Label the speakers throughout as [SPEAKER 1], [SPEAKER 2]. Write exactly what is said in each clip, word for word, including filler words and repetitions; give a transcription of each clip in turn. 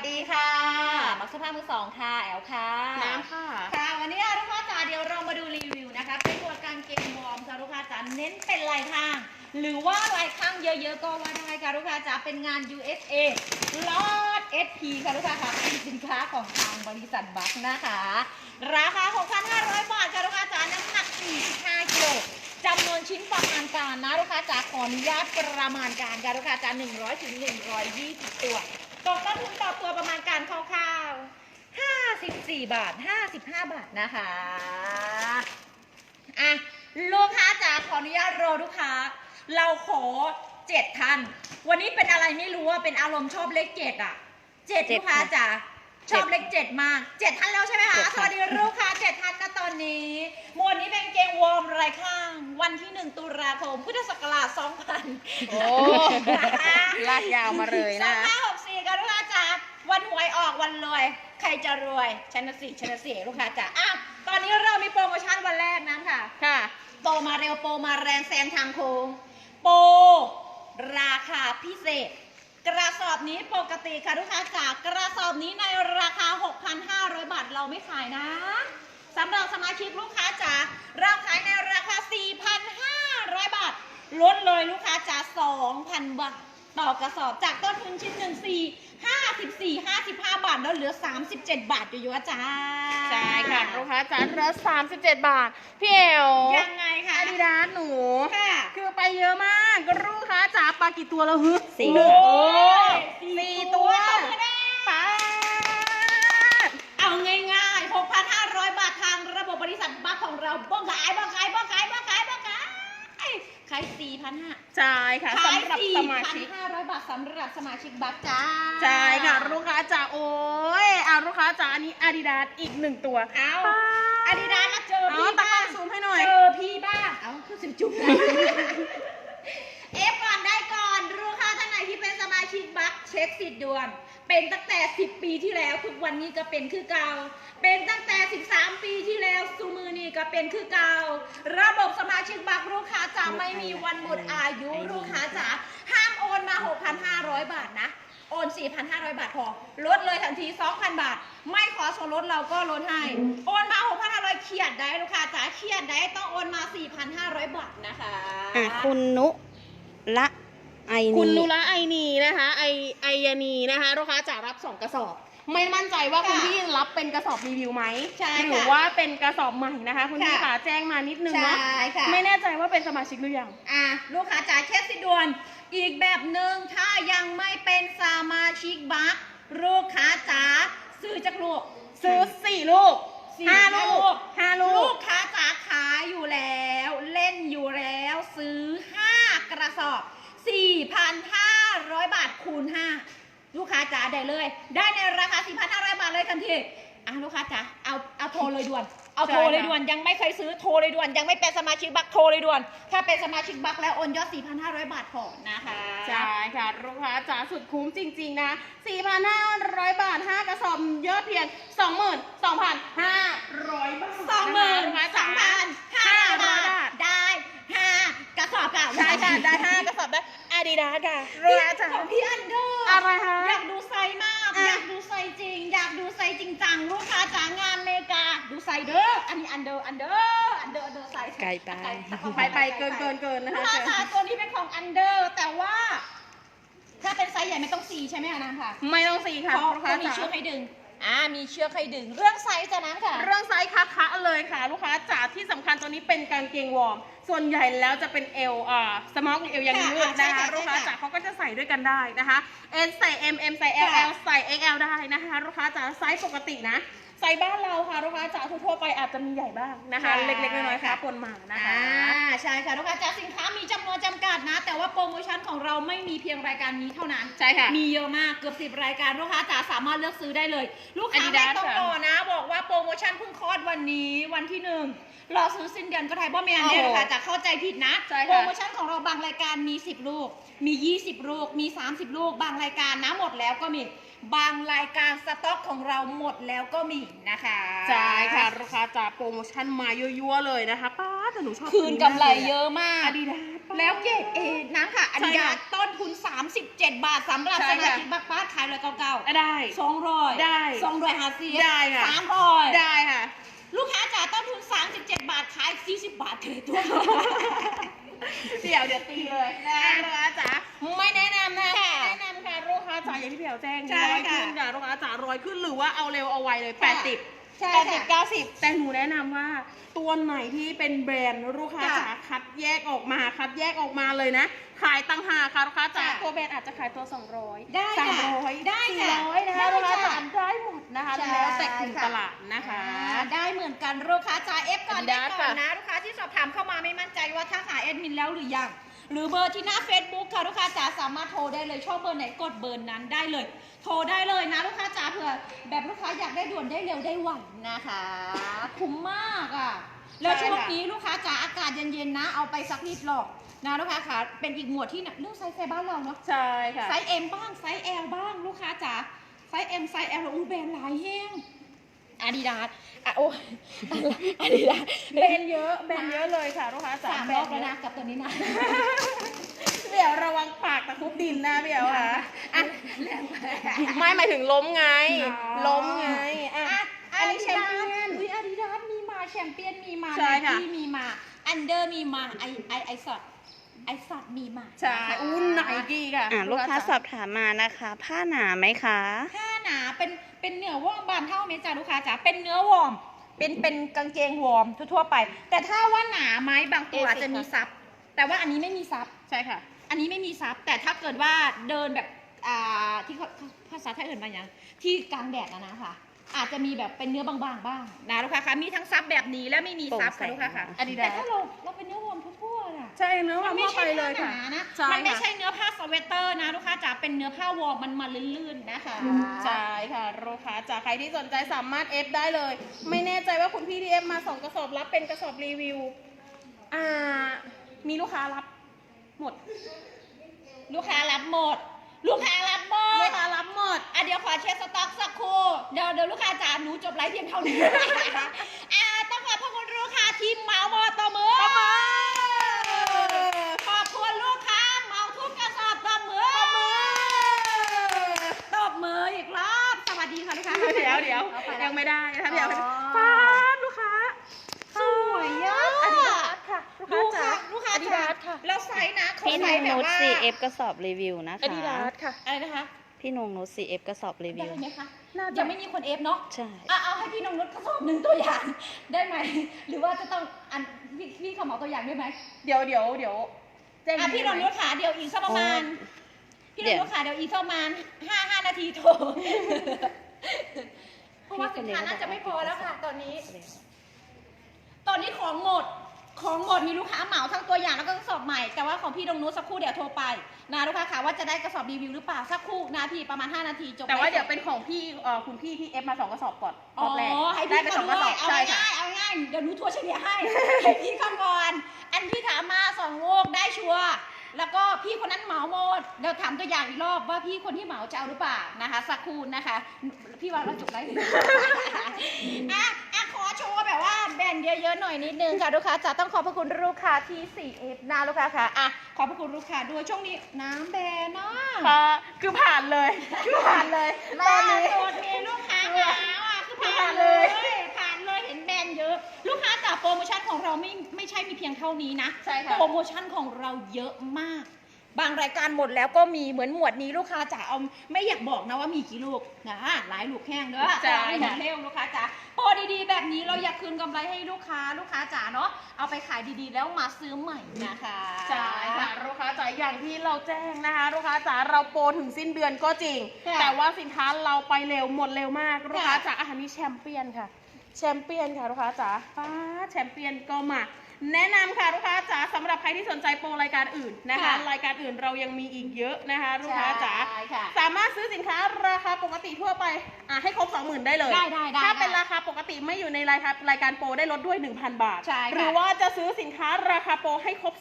[SPEAKER 1] ดีค่ะมักสภาพมือสองค่ะแอลค่ะ
[SPEAKER 2] น้ำค่ะ
[SPEAKER 1] ค่ะวันนี้ลูกค้าจ๋าเดี๋ยวเรามาดูรีวิวนะคะเป็นตัวกางเกงวอร์มค่ะลูกค้าจ๋าเน้นเป็นลายข้างหรือว่าลายข้างเยอะๆก็ว่าได้ค่ะลูกค้าจ๋าเป็นงาน ยู เอส เอ ลอด เอส พี ค่ะลูกค้าค่ะเป็นสินค้าของทางบริษัทบัคนะคะราคา หกพันห้าร้อย บาทค่ะลูกค้าจ๋าน้ำหนักสี่สิบห้ากิโลจำนวนชิ้นประมาณการนะลูกค้าจ๋าขออนุญาตประมาณการค่ะลูกค้าจ๋าหนึ่งร้อยถึงหนึ่งร้อยยี่สิบตัวตกต้นทุนต่อตัวประมาณการคร่าวๆห้าสิบสี่บาทห้าสิบห้าบาทนะคะอ่ะลูกค้าจ๋าขออนุญาตรอลูกค้าเราขอเจ็ดท่านวันนี้เป็นอะไรไม่รู้ว่าเป็นอารมณ์ชอบเลขเจ็ดอ่ะเจ็ดลูกค้าจ๋าชอบเลขเจ็ดมากเจ็ดท่านแล้วใช่ไหมคะสวัสดีลูกค้าเจ็ดท่านนะตอนนี้หมวดนี้เป็นเกงวอร์มไรข้างวันที่หนึ่งตุลาคมพุทธศักราชสองพัน
[SPEAKER 2] โอ้ลากยาวมาเลยนะ
[SPEAKER 1] สองพันหกสี่กันลูกค้าจ๋าวันหวยออกวันรวยใครจะรวยชนะสิชนะสิลูกค้าจ๋าอ่ะตอนนี้เรามีโปรโมชั่นวันแรกนะค่ะ
[SPEAKER 2] ค่ะ
[SPEAKER 1] โปรมาเร็วโปรมาแรงแซงทางโค้งโปรราคาพิเศษกระสอบนี้ปกติค่ะลูกค้าจ๋ากระสอบนี้ในราคา หกพันห้าร้อย บาทเราไม่ขายนะสำหรับสมาชิกลูกค้าจ๋าเราขายในราคา สี่พันห้าร้อย บาทลดเลยลูกค้าจ๋า สองพัน บาทต่อกระสอบจากต้นทุนชิ้นหนึ่ง สี่ ห้าสิบสี่ ห้าสิบห้า บาทแล้วเหลือสามสิบเจ็ดบาทอยู่ๆจ้า
[SPEAKER 2] ใช่ค่ะลูกค้าจ๋าเหลือสามสิบเจ็ดบาทพี่เอว
[SPEAKER 1] ยังไงคะ
[SPEAKER 2] อาดิดาสหนู
[SPEAKER 1] ค่ะ
[SPEAKER 2] คือไปเยอะมากลูกค้าจ๋าปลากี่ตัวแล้วฮึ
[SPEAKER 1] สี่
[SPEAKER 2] สี่ตัวป้า
[SPEAKER 1] เอาง่ายๆ หกพันห้าร้อย บาททางระบบบริษัทบัคของเราบ้องขายบ้องขายบ้องขายบ้องขายบ้องขายขาย สี่พันห้าร้อย
[SPEAKER 2] ใช่ค่ะสำหรับสมาชิก
[SPEAKER 1] สี่พันห้าร้อย บาทสำหรับสมาชิกบัคจ้า
[SPEAKER 2] ใช่ค่ะลูกค้าจ๋าโอ้ยเอาลูกค้าจ๋าอันนี้อาดิดาสอีกหนึ่งตัว
[SPEAKER 1] เอาอาดิดาสมาเจอพี่บ้าง
[SPEAKER 2] ซูมให้หน่อย
[SPEAKER 1] เจอพี่บ้างเอาคือสิบจุ๊บเอฟก่อนได้ก่อนลูกค้าท่านไหนที่เป็นสมาชิกบัคเช็คสิทธิ์ด่วนเป็นตั้งแต่สิบปีที่แล้วทุกวันนี้ก็เป็นคือเก่าเป็นตั้งแต่สิบสามปีที่แล้วซูมือนี่ก็เป็นคือเก่าระบบสมาชิกบัคลูกค้าจะไม่มีวันหมดอายุลูกค้าจะห้ามโอนมา หกพันห้าร้อย บาทนะโอน สี่พันห้าร้อย บาทพอลดเลยทันที สองพัน บาทไม่ขอส่วนลดเราก็ลดให้โอนมา หกพันห้าร้อย เครียดได้ลูกค้าจ๋าเครียดได้ต้องโอนมา สี่พันห้าร้อย บาทนะคะ
[SPEAKER 2] อ่ะคุณนุละไอนีคุณนุละไอนีนะคะไอไอยานีนะคะลูกค้าจะรับสองกระสอบไม่มั่นใจว่าคุณพี่รับเป็นกระสอบรีวิวไหม
[SPEAKER 1] ใช่
[SPEAKER 2] หรือว่าเป็นกระสอบใหม่นะคะคุณพี่ขาแจ้งมานิดนึงเนาะไม่แน่ใจว่าเป็นสมาชิกหรือยัง
[SPEAKER 1] อ่ะลูกค้าจ๋าเช็คสิด่วนอีกแบบหนึ่งถ้ายังไม่เป็นสมาชิกบัคลูกค้าจ๋าซื้อจากลูก
[SPEAKER 2] ซื้อสี่ลูกห้าลูกห้าลูก
[SPEAKER 1] ลูกค้าจ๋าขายอยู่แล้วเล่นอยู่แล้วซื้อห้ากระสอบ สี่พันห้าร้อย บาทคูณห้าลูกค้าจ๋าได้เลยได้ในราคา สี่พันห้าร้อย บาทเลยทันทีอ่ะลูกค้าจ๋าเอาเอาโทรเลยด่วนเอาโทรเลยด่วนยังไม่เคยซื้อโทรเลยด่วนยังไม่เป็นสมาชิกบัคโทรเลยด่วนถ้าเป็นสมาชิกบัคแล้วโอนยอด สี่พันห้าร้อย บาทพอนะคะ
[SPEAKER 2] ใช่ค่ะลูกค้าจ๋าสุดคุ้มจริงๆนะ สี่พันห้าร้อย บาทห้ากระสอบยอดเพียง สองหมื่นสองพันห้าร้อย บาท
[SPEAKER 1] สองหมื่นสองพันห้าร้อย บาทได้ห้ากระสอบค่ะ
[SPEAKER 2] ใช่ค่ะได้ห้ากระสอบได้อาดิดาสค่ะลูกค้าจ๋า
[SPEAKER 1] ของพี่อันเดอร์
[SPEAKER 2] อะไรคะ
[SPEAKER 1] อยากดูไซส์มากอยากดูไซส์จริงอยากดูไซส์จริงจังลูกค้าจ๋างานเมกาดูไซส์เด้ออันนี้อันเดอร์อันเดอร์อันเดอร์อันเดอร์ไซส์
[SPEAKER 2] ไกลไปไปไปเกินเกินเกินนะคะ
[SPEAKER 1] ลูกค้าจ๋าตัวนี้เป็นของอันเดอร์แต่ว่าถ้าเป็นไซส์ใหญ่ไม่ต้องซีใช่ไหมคะน้ำค่ะ
[SPEAKER 2] ไม่ต้องซีค่ะ
[SPEAKER 1] เพราะเขามีเชือกให้ดึงอ่ามีเชือกให้ดึงเรื่องไซส์จะนั้นค่ะ
[SPEAKER 2] เรื่องไซส์คะๆเลยค่ะลูกค้าจ๋าที่สำคัญตัวนี้เป็นกางเกงวอร์มส่วนใหญ่แล้วจะเป็นเอลอ่าสมอลเอลยังยืดนะคะลูกค้าจ๋าเขาก็จะใส่ด้วยกันได้นะคะ S ใส่ M M ใส่ L L ใส่ X L ได้นะคะลูกค้าจ๋าไซส์ปกตินะไซส์บ้านเราค่ะลูกค้าจ๋าทั่วไปอาจจะมีใหญ่บ้างนะคะเล็กๆน้อยๆค่ะปนมานะคะ
[SPEAKER 1] อ่าใช่ค่ะลูกค้าจ๋าสินค้ามีจำนวนจำกัดนะแต่ว่าโปรโมชั่นของเราไม่มีเพียงรายการนี้เท่านั้น
[SPEAKER 2] ใช่ค่ะ
[SPEAKER 1] มีเยอะมากเกือบสิบรายการลูกค้าจ๋าสามารถเลือกซื้อได้เลยลูกค้าไม่ต้องรอนะบอกว่าโปรโมชั่นเพิ่งคลอดวันนี้วันที่หนึ่งรอซื้อสิ้นเดือนก็ไทยบ่แมนเนี่ยลูกค้าจ๋าเข้าใจผิดนะโปรโมชั่นของเราบางรายการมีสิบลูกมียี่สิบลูกมีสามสิบลูกบางรายการนะหมดแล้วก็มีบางรายการสต็อกของเราหมดแล้วก็มีนะคะ
[SPEAKER 2] ใช่ค่ะลูกค้าจ๋าโปรโมชั่นมายั่วๆเลยนะคะป้าแต่หนูชอบ
[SPEAKER 1] คืนกำไรเยอะมาก
[SPEAKER 2] อาดิดาส
[SPEAKER 1] แล้วเกรดเอน้ำค่ะอัน
[SPEAKER 2] ใช่
[SPEAKER 1] นี้
[SPEAKER 2] ค่ะ
[SPEAKER 1] ต้นทุนสามสิบเจ็ดบาทสำหรับ
[SPEAKER 2] ใช่
[SPEAKER 1] ส
[SPEAKER 2] ค่ะ
[SPEAKER 1] มาชิกบักบ้านขายเลยเก่าๆ
[SPEAKER 2] ได้
[SPEAKER 1] สองร้อย
[SPEAKER 2] ได้
[SPEAKER 1] สองร้อยห้าสิบ
[SPEAKER 2] ได้ค่ะ
[SPEAKER 1] สามร้อย
[SPEAKER 2] ได้ค่ะ
[SPEAKER 1] ลูกค้าจ่ายต้นทุนสามสิบเจ็ดบาทขายสี่สิบบาทเถอะตัว
[SPEAKER 2] เดี๋ยวเดี๋ยวตีเลยนะลูกค้าจ๋าไม่แนะนำนะ
[SPEAKER 1] ค่ะ
[SPEAKER 2] ไม่แนะนำค่ะลูกค้าจ๋าอย่างที่พี่แอ๋วแจ้ง
[SPEAKER 1] ใช่
[SPEAKER 2] ร้อย
[SPEAKER 1] ค่ะ
[SPEAKER 2] ขึ้นค่ะลูกค้าจ๋าร้อยขึ้นหรือว่าเอาเร็วเอาไวเลยแปดสิบ
[SPEAKER 1] ใช่
[SPEAKER 2] แปดสิบ
[SPEAKER 1] ค่ะ
[SPEAKER 2] เก้าสิบแต่หนูแนะนำว่าตัวไหนที่เป็นแบรนด์ลูกค้า
[SPEAKER 1] ค่ะ
[SPEAKER 2] จ๋าคัดแยกออกมาคัดแยกออกมาเลยนะ ขายตั้งหากค่ะลูกค้าจ๋า
[SPEAKER 1] ค่ะ
[SPEAKER 2] ตัวแบรนด์อาจจะขายตัวสองร้อย
[SPEAKER 1] ได้
[SPEAKER 2] สาม
[SPEAKER 1] ค่ะ
[SPEAKER 2] ร้อย
[SPEAKER 1] ได้
[SPEAKER 2] สี่
[SPEAKER 1] ค่ะ
[SPEAKER 2] ร้อยนะคะ
[SPEAKER 1] ได้
[SPEAKER 2] ลูกค้า
[SPEAKER 1] ค่ะ
[SPEAKER 2] จ๋าได้หมดนะคะ
[SPEAKER 1] ใช่
[SPEAKER 2] แล้วแต่กลุ่ม
[SPEAKER 1] ค่ะ
[SPEAKER 2] ตลาดนะคะ
[SPEAKER 1] อ่าได้เหมือนกันลูกค้าจ่ายเอฟก่อนได้
[SPEAKER 2] Adidas
[SPEAKER 1] ก่อน
[SPEAKER 2] ค่ะ
[SPEAKER 1] นะลูกค้าที่สอบถามเข้ามาไม่มั่นใจว่าทักหาแอดมินแล้วหรือยังหรือเบอร์ที่หน้า Facebook ค่ะลูกค้าจ๋าสามารถโทรได้เลยชอบเบอร์ไหนกดเบอร์นั้นได้เลย โทรได้เลยนะลูกค้าจ๋าเผื่อแบบลูกค้าอยากได้ด่วนได้เร็วได้ไวนะคะคุ้มมากอ่ะแล้วช่วงนี้ลูกค้าจ๋าอากาศเย็นๆนะเอาไปสักนิดหรอกนะลูกค้าค่ะเป็นอีกหมวดที่เรื่องไซส์ไซส์บ้านเราเนาะ
[SPEAKER 2] ใช่ค่ะ
[SPEAKER 1] ไซส์ M บ้างไซส์ L บ้างลูกค้าจ๋าไซส์ M ไซส์ L อู้แบรนด์หลายแห้งอาดิดาสอ่ะโอ้อาดิดาส
[SPEAKER 2] แบรนด์เยอะแบรนด์เยอะเลยค่ะลูกค้าจ๋า
[SPEAKER 1] สาม
[SPEAKER 2] แบ
[SPEAKER 1] ร
[SPEAKER 2] ร
[SPEAKER 1] อน บ
[SPEAKER 2] ด์
[SPEAKER 1] แล้ว
[SPEAKER 2] เย
[SPEAKER 1] นะ
[SPEAKER 2] อะ
[SPEAKER 1] กับตัวนี้นะ
[SPEAKER 2] เดี๋ยวระวังปากตะคุบดินนะพี่เอ๋วค่ะ
[SPEAKER 1] อ่ะ
[SPEAKER 2] ไม่หมายถึงล้มไง
[SPEAKER 1] อ๋อ
[SPEAKER 2] ล้มไงอ่ะ
[SPEAKER 1] อ่ะ
[SPEAKER 2] อันนี้แชมเปี้ยน
[SPEAKER 1] อุ้ยอาดิดาสมีมาแชมเปี้ยนมีมา
[SPEAKER 2] ใช่ค่ะ
[SPEAKER 1] ที่มีมาอันเดอร์มีมาไอไอไอสอดไอสอดมีมา
[SPEAKER 2] ใช่อุ้นไนกี้ค่ะ
[SPEAKER 3] อ่าลูกค้าส
[SPEAKER 2] จ๋
[SPEAKER 3] อบถามมานะคะ ผ้าหนาไหมคะ
[SPEAKER 1] ผ้าหนาเป็นเป็นเนื้อวอร์มบานเท่าเมจ้าลูกค้าจ๋าเป็นเนื้อวอร์มเป็นเป็นกางเกงวอร์มทั่วๆไป แต่ถ้าว่าหนาไหมบางตัวอาจจะมีซับแต่ว่าอันนี้ไม่มีซับ
[SPEAKER 2] ใช่ค่ะ
[SPEAKER 1] อันนี้ไม่มีซับแต่ถ้าเกิดว่าเดินแบบอ่าที่เขาภาษาไทยเอื่นมาอย่างที่กลางแดดนะนะคะอาจจะมีแบบเป็นเนื้อบางๆบ้างนะลูกค้าคะมีทั้งซับแบบนี้และไม่มีซับค่ะลูกค้าค่ะ
[SPEAKER 2] Adidas
[SPEAKER 1] แต่ถ้าเราเราเป็นเนื้อวอร์มทั่วๆน่ะ
[SPEAKER 2] ใช่เนื้อ
[SPEAKER 1] มั
[SPEAKER 2] มัน น
[SPEAKER 1] ไม่
[SPEAKER 2] ไม่
[SPEAKER 1] ใช่
[SPEAKER 2] ไปเล
[SPEAKER 1] ผ้าย ห
[SPEAKER 2] ค่ะ
[SPEAKER 1] นานะ
[SPEAKER 2] ใช่
[SPEAKER 1] มันไม่
[SPEAKER 2] ค่ะ
[SPEAKER 1] ใช่เนื้อผ้าสเวตเตอร์นะลูกค้าจ๋าเป็นเนื้อผ้าวอร์มมันมาลื่นๆนะคะ
[SPEAKER 2] ใช่ค่ะลูกค้าจากใครที่สนใจสามารถเอฟได้เลย ไม่แน่ใจว่าคุณพี่ที่เอฟมาส่งกระสอบรับเป็นกระสอบรีวิวอ่ามีลูกค้ารับหมด
[SPEAKER 1] ลูกค้ารับหมด ลูกค้ารับหม
[SPEAKER 2] ลู
[SPEAKER 1] ด
[SPEAKER 2] กค้ารับหมด
[SPEAKER 1] อ่ะเดี๋ยวขอเช็คสต็อกสักครู่เดี๋ยวเดี๋ยวลูกค้าจ๋าหนูจบไลฟ์เพียงเท่านี้ อ่าต้องขอบพระคุณลูกค้าที่เหมาหมดต่อมือ
[SPEAKER 2] ต่อมือ
[SPEAKER 1] ขอบคุณลูกค้าเหมาทุกกระสอบต่อมือตบมืออีกรอบสวัสดีค่ะลูกค้า
[SPEAKER 2] เดี๋ยวเดี๋ยว
[SPEAKER 1] อาป
[SPEAKER 2] ยังไม่ได้นะคะเดี๋ยว
[SPEAKER 1] อ๋อ
[SPEAKER 2] ป้าดลูกค้า
[SPEAKER 1] สวยอ่ะ
[SPEAKER 2] อาดิดาสค่ะลูก
[SPEAKER 1] ดู
[SPEAKER 2] ค้าจ๋า
[SPEAKER 1] ค่ะลูกค้า
[SPEAKER 2] อาดิ
[SPEAKER 1] จ๋า
[SPEAKER 2] ดาสค่ะ
[SPEAKER 1] แล้วไซส์นะเขา
[SPEAKER 3] พี่
[SPEAKER 1] ไซ
[SPEAKER 3] นง
[SPEAKER 1] ส์แบบ
[SPEAKER 3] นุช
[SPEAKER 1] ว่า
[SPEAKER 3] ซีเอฟกระสอบรีวิวนะ
[SPEAKER 2] อา
[SPEAKER 3] คะ
[SPEAKER 2] ดิดาสค่ะ
[SPEAKER 1] อะไรนะคะ
[SPEAKER 3] พี่นงนุชซีเอฟกระสอบรีวิ
[SPEAKER 1] ได้
[SPEAKER 3] ว
[SPEAKER 1] ไหมคะ
[SPEAKER 2] น่าจะ
[SPEAKER 1] ยังไม่มีคนเอฟเนาะ
[SPEAKER 3] ใช่
[SPEAKER 1] อ่ะเอาให้พี่นงนุชกระสอบหนึ่งตัวอย่าง ได้ไหม หรือว่าจะต้องอันพี่พี่เขาเหมาตัวอย่างด้วยไหม
[SPEAKER 2] เดี๋ยวเดี๋ยวเดี๋ยวแจ้ง
[SPEAKER 1] อ่ะพี่นงนุชขาเดี๋ยวอีกสักประมาณ
[SPEAKER 3] โอ้
[SPEAKER 1] พี่น
[SPEAKER 3] เดี๋
[SPEAKER 1] ง
[SPEAKER 3] ยว
[SPEAKER 1] นุชขาเดี๋ยวอีกสักประมาณห้าห้านาทีโทร เพราะว่าสินค้าน่าจะไม่พอแล้วค่ะตอนนี้ ตอนนี้ของหมด ของหมดมีลูกค้าเหมาทั้งตัวอย่างแล้วก็กระสอบใหม่ แต่ว่าของพี่ดงนุชสักครู่เดี๋ยวโทรไปนะลูกค้าค่ะว่าจะได้กระสอบรีวิวหรือเปล่าสักครู่นาทีประมาณห้านาทีจบ
[SPEAKER 2] แต่ว่า
[SPEAKER 1] ไลฟ์
[SPEAKER 2] เดี๋ยวเป็นของพี่เอ่อคุณพี่ที่เอฟมาสองกระสอบก่อนร
[SPEAKER 1] อ๋อ
[SPEAKER 2] อบแรก
[SPEAKER 1] ให้
[SPEAKER 2] ได้
[SPEAKER 1] พี่
[SPEAKER 2] ไปส
[SPEAKER 1] เขา
[SPEAKER 2] องก
[SPEAKER 1] ด้
[SPEAKER 2] ระ
[SPEAKER 1] ว
[SPEAKER 2] สอย บ
[SPEAKER 1] เอา
[SPEAKER 2] ใช่ค่ะ
[SPEAKER 1] ง่ายๆเอาง่ายๆเดี๋ยวหนูทัวร์เฉลี่ยให้ ให้พี่เขาก่อน อันที่ถามมาสองลูกได้ชัวร์แล้วก็พี่คนนั้นเหมาหมดเดี๋ยวถามตัวอย่างอีกรอบว่าพี่คนที่เหมาจะเอาหรือเปล่านะคะสักครู่นะคะ พี่ว่าเราจบไลฟ์ อ่ะอ่ะขอโชว์แบบว่าแบรนด์เยอะๆหน่อยนิดนึงค่ะลูกค้าจะต้องขอบพระคุณลูกค้าที่ ซี เอฟ นะลูกค้าค่ะอ่ะขอบพระคุณลูกค้าด้วยช่วงนี้น้ำแบรนด์เนาะ
[SPEAKER 2] ค่ะคือผ่านเลยคือผ่านเลยต
[SPEAKER 1] ล่า
[SPEAKER 2] อนนี้
[SPEAKER 1] สุดมีลูกค้าหาอ่ะคือผ่านเลย ผ่านเลยเห็นแบรนด์เยอะ ลูกค้าจากโปรโมชั่นของเราไม่ไม่ใช่มีเพียงเท่านี้นะ
[SPEAKER 2] ใช่ค่ะ
[SPEAKER 1] โปรโมชั่นของเราเยอะมาก บางรายการหมดแล้วก็มีเหมือนหมวดนี้ลูกค้าจ๋าเอาไม่อยากบอกนะว่ามีกี่ลูกนะหลายลูกแห้งเด้อ
[SPEAKER 2] ใช่
[SPEAKER 1] ไม่หม
[SPEAKER 2] ค่ะ
[SPEAKER 1] ดเร็วลูกค้าจ๋าโปรดีๆแบบนี้เราอยากคืนกำไรให้ลูกค้าลูกค้าจ๋าเนาะเอาไปขายดีๆแล้วมาซื้อใหม่นะคะ
[SPEAKER 2] ใช่ค่ะลูกค้าจ๋าอย่างที่เราแจ้งนะคะลูกค้าจ๋าเราโปรถึงสิ้นเดือนก็จริง
[SPEAKER 1] ค่ะ
[SPEAKER 2] แต่ว่าสินค้าเราไปเร็วหมดเร็วมากลูกค้า
[SPEAKER 1] ค่ะ
[SPEAKER 2] จ๋าอาหารนี้แชมเปี้ยนค่ะแชมเปี้ยนค่ะลูกค้าจ๋าป้าแชมเปี้ยนก็มาแนะนำค่ะลูกค้าจ๋าสำหรับใครที่สนใจโปรรายการอื่นนะคะ
[SPEAKER 1] ค่ะ
[SPEAKER 2] รายการอื่นเรายังมีอีกเยอะนะคะลูกค้าจ๋า
[SPEAKER 1] ใช่ค่ะ
[SPEAKER 2] สามารถซื้อสินค้าราคาปกติทั่วไปอ่ะให้ครบ สองหมื่น ได้เลย
[SPEAKER 1] ได้ได้ได้
[SPEAKER 2] ถ้าเป็น
[SPEAKER 1] ได้
[SPEAKER 2] ราคาปกติไม่อยู่ในรายการรายการโปรได้ลดด้วย หนึ่งพัน บาท
[SPEAKER 1] ใช่ค่ะ
[SPEAKER 2] หรือว่าจะซื้อสินค้าราคาโปรให้ครบ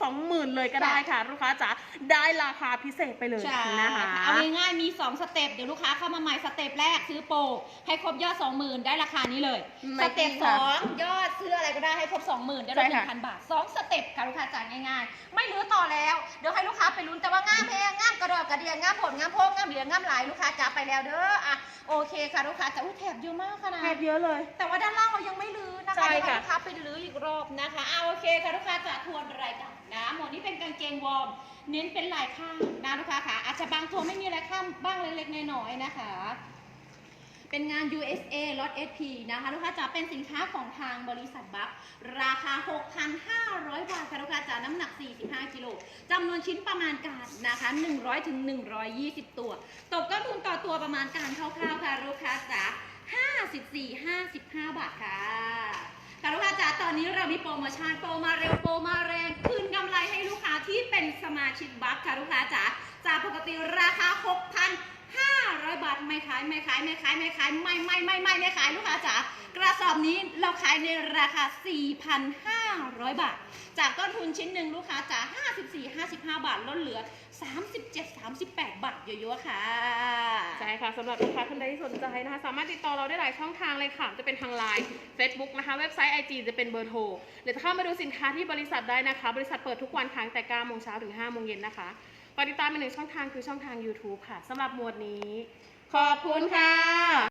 [SPEAKER 2] สองหมื่นเลยก็ได้ค่ะ ลูกค้าจ๋าได้ราคาพิเศษไปเลย
[SPEAKER 1] ใช่
[SPEAKER 2] นะคะ
[SPEAKER 1] เอาง่ายๆมีสองสเต็ปเดี๋ยวลูกค้าเข้ามาใหม่สเต็ปแรกซื้อโปรให้ครบยอด สองหมื่น ได้ราคานี้เลย
[SPEAKER 2] ไม่
[SPEAKER 1] สเต็ป
[SPEAKER 2] จริง
[SPEAKER 1] ส
[SPEAKER 2] ค่ะ
[SPEAKER 1] องยอดซื้ออะไรก็ได้ให้ครบ สองหมื่น ได้ลด
[SPEAKER 2] ใช่
[SPEAKER 1] หนึ่
[SPEAKER 2] ค่ะ
[SPEAKER 1] งพันบาทสองสเต็ปค่ะลูกค้าจ่ายง่ายๆไม่รื้อต่อแล้วเดี๋ยวให้ลูกค้าไปลุ้นแต่ว่างามแพงงามกระดอกกระเดียงงามผลงามโพงงามเหลืองงามหลายลูกค้าจ๋าไปแล้วเด้ออ่ะโอเคค่ะลูกค้าจ๋าอุ้ยแถบเยอะมากค่ะนะ
[SPEAKER 2] แทบเยอะเลย
[SPEAKER 1] แต่ว่าด้านล่างเรายังไม่รื้อนะคะ
[SPEAKER 2] ใช่
[SPEAKER 1] เดี๋ยวให้
[SPEAKER 2] ค่ะ
[SPEAKER 1] ลูกค้าไปรื้ออีกรอบนะคะเอาโอเคค่ะลูกค้าจะทวนรายการนะหมวดนี้เป็นกางเกงวอร์มเน้นเป็นลายข้างนะลูกค้าค่ะอาจจะบางตัวไม่มีลายข้างบ้างเล็กๆน้อยๆนะคะ เป็นงาน ยู เอส เอ ล็อต เอส พี นะคะลูกค้าจ๋าเป็นสินค้าของทางบริษัทบัคราคา หกพันห้าร้อย บาทค่ะลูกค้าจ๋าน้ำหนัก สี่สิบห้า กิโลจำนวนชิ้นประมาณการนะคะ หนึ่งร้อยถึงหนึ่งร้อยยี่สิบ ตัว ตกต้นทุนต่อตัวประมาณการคร่าวๆค่ะลูกค้าจ๋า ห้าสิบสี่ ห้าสิบห้า บาทค่ะค่ะลูกค้าจ๋าตอนนี้เรามีโปรโมชั่นโปรมาเร็วโปรมาแรงคืนกำไรให้ลูกค้าที่เป็นสมาชิกบัคค่ะลูกค้าจ๋าจากปกติราคา หกพันห้าร้อย บาทไม่ขายไม่ขายไม่ขายไม่ขายไม่ไม่ไม่ไม่ไม่ขายลูกค้าจ๋ากระสอบนี้เราขายในราคา สี่พันห้าร้อย บาท จากต้นทุนชิ้นหนึ่งลูกค้าจ๋าห้าสิบสี่ ห้าสิบห้า บาทลดเหลือ สามสิบเจ็ด สามสิบแปด บาทเยอะๆค่ะ
[SPEAKER 2] ใช่ค่ะสำหรับลูกค้าท่านใดที่สนใจนะคะสามารถติดต่อเราได้หลายช่องทางเลยค่ะจะเป็นทางไลน์ Facebook นะคะเว็บไซต์ ไอ จี จะเป็นเบอร์โทรหรือจะเข้ามาดูสินค้าที่บริษัทได้นะคะ บริษัทเปิดทุกวันค่ะตั้งแต่เก้าโมงเช้าถึงห้าโมงเย็นนะคะฝากติดตามอีกหนึ่งช่องทางคือช่องทาง ยูทูบ ค่ะสำหรับหมวดนี้ ขอบคุณค่ะ